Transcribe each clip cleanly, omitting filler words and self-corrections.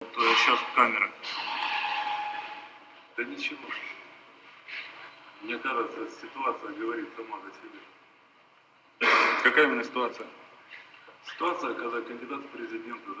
вот сейчас камера? Да ничего. Мне кажется, ситуация говорит сама за себя. Какая именно ситуация? Ситуация, когда кандидат в президенты,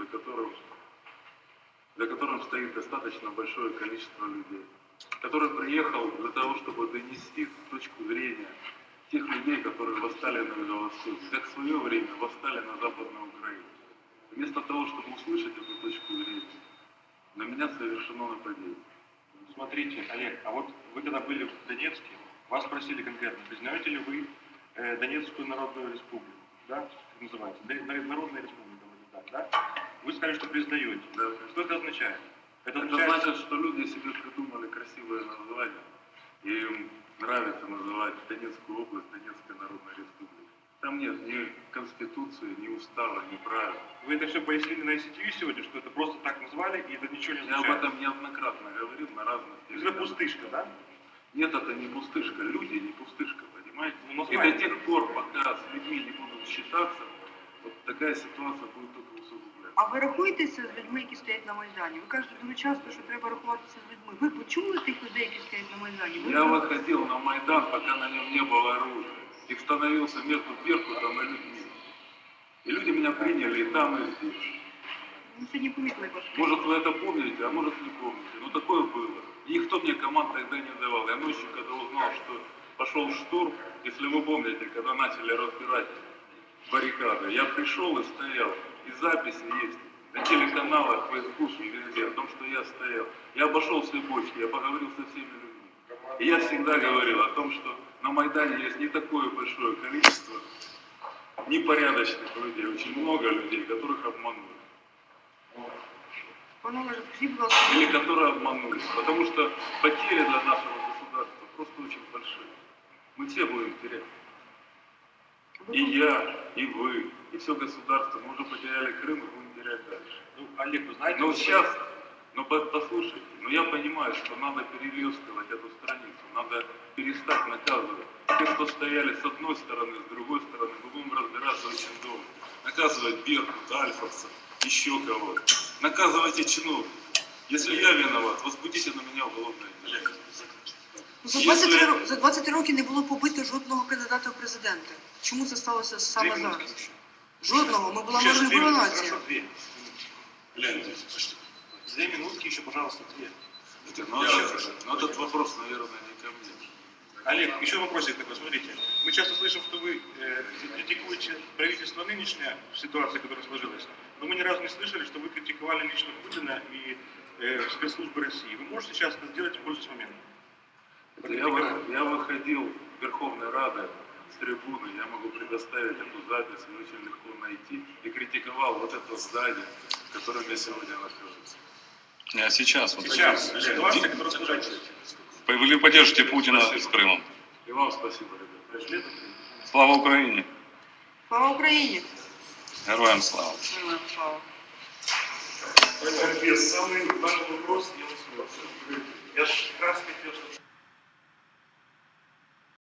за которым стоит достаточно большое количество людей, который приехал для того, чтобы донести точку зрения тех людей, которые восстали на Юго-Востоке, как в свое время восстали на Западной Украине. Вместо того, чтобы услышать эту точку зрения, на меня совершено нападение. Смотрите, Олег, а вот вы когда были в Донецке, вас спросили конкретно, признаете ли вы Донецкую Народную Республику, да, как называется, Народная Республика, да? Вы сказали, что признаете. Да. Что это означает? Это значит, что люди себе придумали красивое название, и им нравится называть Донецкую область Донецкой Народной Республикой. Там нет ни конституции, ни устава, ни правил. Вы это все пояснили на ICTV сегодня, что это просто так назвали, и это ничего не означает? Я об этом неоднократно говорил на разных Это пустышка, да? Нет, это не пустышка. Люди не пустышка, понимаете? Ну, и до тех пор, пока с людьми не будут считаться, вот такая ситуація буде тільки усугубляться. А ви рахуєтеся з людьми, які стоять на Майдані? Ви кажете дуже часто, що треба рахуватися з людьми. Ви почули тих людей, які стоять на Майдані? Я выходил на Майдан, пока на нем не было оружия. И становился между Беркутом и людьми. И люди меня приняли и там, и здесь. Ми сьогодні помітили вас. Может, вы это помните, а может, не помните. Но такое было. И никто мне команд тогда не давал. Я ночью, когда узнал, что пошел штурм, если вы помните, когда начали разбирать баррикады, я пришел и стоял. И записи есть на телеканалах, в Фейсбуке, везде, о том, что я стоял. Я обошел все бочки, я поговорил со всеми людьми. И я всегда говорил о том, что на Майдане есть не такое большое количество непорядочных людей, очень много людей, которых обманули. Или которые обманулись. Потому что потери для нашего государства просто очень большие. Мы все будем терять. И я, и вы, и все государство. Мы уже потеряли Крым и будем терять дальше. Ну, Олег, вы знаете... Но сейчас, послушайте, я понимаю, что надо перелистывать эту страницу, надо перестать наказывать. Те, кто стояли с одной стороны, с другой стороны, мы будем разбираться очень долго. Наказывать Беркут, Альфовцев, еще кого-то. Наказывайте чиновников. Если я виноват, возбудите на меня уголовное дело. За 20 років не було побито жодного кандидата в президенти. Чому це сталося саме зараз? Жодного. Ми була мирна нація. Гляньте, 2 минутки еще, пожалуйста, 2. Но этот вопрос, наверное, не ко мне. Олег, еще вопросик такой, смотрите. Мы часто слышим, что вы критикуете правительство нынешнее в ситуации, которая сложилась, но мы ни разу не слышали, что вы критиковали лично Путина и спецслужбы России. Вы можете сейчас это сделать в пользу момента? Я выходил в Верховной Рады с трибуны, я могу предоставить эту запись, ее очень легко найти, и критиковал вот это здание, в котором я сегодня нахожусь. А сейчас? Сейчас. Ситуация, которая сложилась. Вы поддержите Путина с Крымом. И вам спасибо, ребята. Слава Украине! Слава Україні! Героям слава! Героям слава! Самый важный вопрос, я же как раз хотел, что...